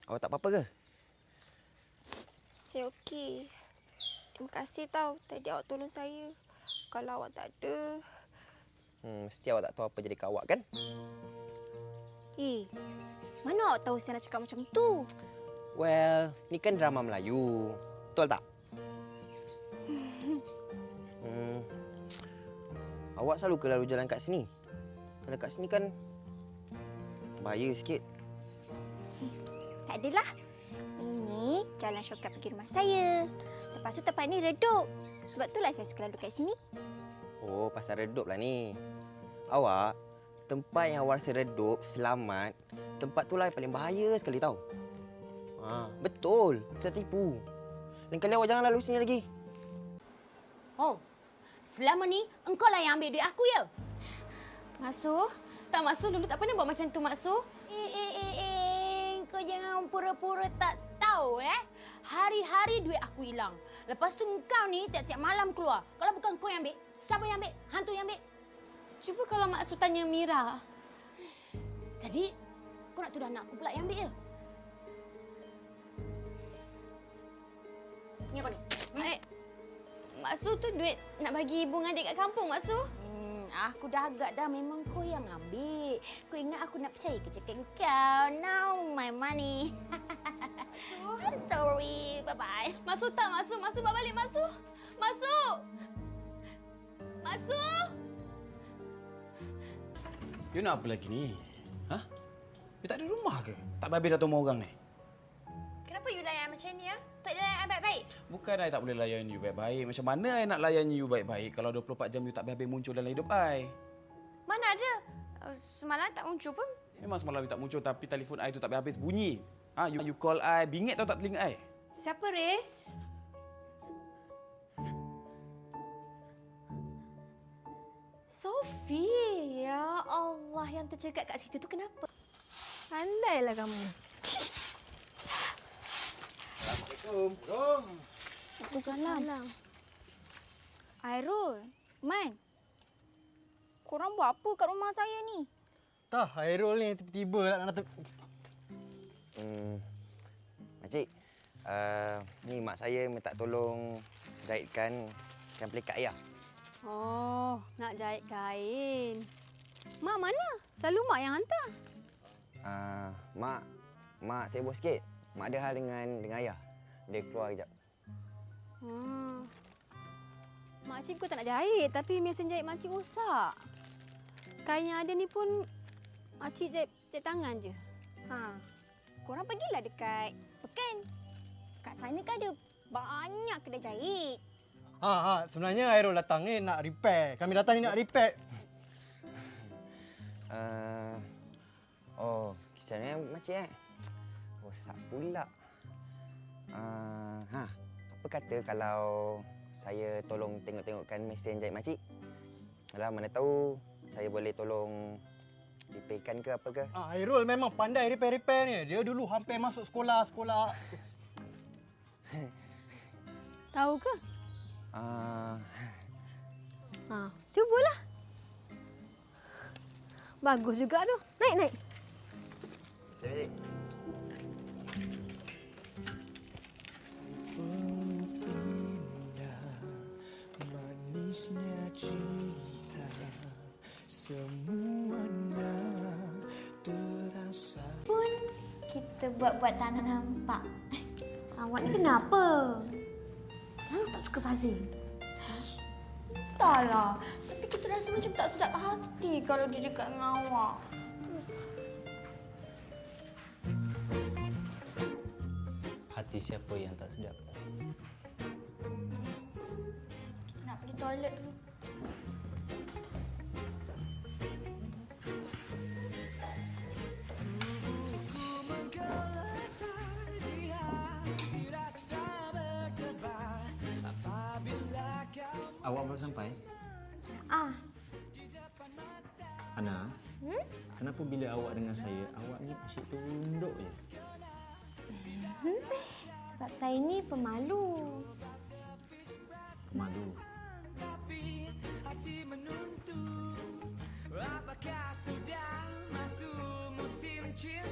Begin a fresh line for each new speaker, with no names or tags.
Awak tak apa-apa ke?
Saya okey. Terima kasih tau tadi awak tolong saya. Kalau awak tak ada...
Mesti awak tak tahu apa jadi kat awak kan?
Mana awak tahu saya nak cakap macam tu?
Well, ni kan drama Melayu. Betul tak? Awak selalu ke lalu jalan kat sini? Kalau kat sini kan bahaya sikit.
Tak adalah. Ini jalan shortcut pergi rumah saya. Lepas tu tempat ni redup. Sebab itulah saya suka lalu kat sini.
Oh, pasal redup lah ni. Awak, tempat yang awak rasa redup, selamat, tempat tu lah yang paling bahaya sekali tau. Betul. Kita tipu. Lain kali awak jangan lalu sini lagi.
Oh, selama ni engkau lah yang ambil duit aku ya?
Masuk.
Tak Maksu, dulu tak pernah buat macam tu Maksu.
Kau jangan pura-pura tak tahu
Hari-hari duit aku hilang. Lepas tu engkau ni tiap-tiap malam keluar. Kalau bukan kau yang ambil, siapa yang ambil? Hantu yang ambil? Cuba kalau Maksu tanya Mira. Jadi, kau nak tuduh anak aku pula yang ambil ya? Ni apa ni? Maksu tu duit nak bagi ibu dengan adik kat kampung, Maksu. Aku dah agak dah, memang kau yang ambil. Kau ingat aku nak percaya ke cakap kau? Now my money. Sorry, bye-bye. Masuk tak, Masuk? Masuk, bawa balik, Masuk. Masuk! Masuk!
You nak apa lagi ni? Ha? You tak ada rumah ke? Tak habis dah temu orang ni?
Kenapa you layan macam ni ya? Tak layan baik-baik.
Bukan I tak boleh layan you baik-baik. Macam mana I nak layan you baik-baik kalau 24 jam you tak habis muncul dalam hidup I?
Mana ada? Semalam tak muncul pun.
Memang semalam you tak muncul tapi telefon I tu tak habis bunyi. You call I, bingit tau tak telinga I?
Siapa, Riz? Sophie, ya Allah, yang tercegat kat situ tu kenapa?
Pandailah kamu.
Assalamualaikum.
Waalaikumsalam. Airul, Man. Korang buat apa kat rumah saya ni?
Tah, Hairul ni tiba-tiba nak datang.
Makcik, ni mak saya minta tolong jahitkan kain pelikat ayah.
Oh, nak jahit kain. Mak mana? Selalu mak yang hantar.
Mak sibuk sikit. Mak ada hal dengan ayah. Dia keluar kejap.
Makcik bukan tak nak jahit, tapi mesin jahit makcik rosak. Kain yang ada ni pun makcik jahit tangan je.
Korang pergilah dekat Pekan. Kat sana kan ada banyak kedai jahit.
Sebenarnya Hairul datang ni nak repair. Kami datang ni nak repair.
Kisahnya makcik rosak pula. Apa kata kalau saya tolong tengok-tengokkan mesin jahit makcik? Alah, mana tahu saya boleh tolong repairkan ke apa ke?
Hairul memang pandai repair-repair ni. Dia dulu hampir masuk sekolah.
Tahu ke? Cubalah. Bagus juga tu. Naik.
Saya makcik.
Manisnya cinta, semuanya terasa.
Pun kita buat-buat tak nak nampak. Awak ni kenapa? Selalu tak suka Fazil. Taklah. Tapi kita rasa macam tak sedap hati kalau dia dekat dengan awak.
Hati siapa yang tak sedap?
Kita nak pergi toilet dulu.
Awak baru sampai? Ana, kenapa bila awak dengan saya, awak ni asyik tunduk je?
Sebab saya ni pemalu.
Pemalu?
Tapi hati menuntut. Apakah sudah masuk musim cinta?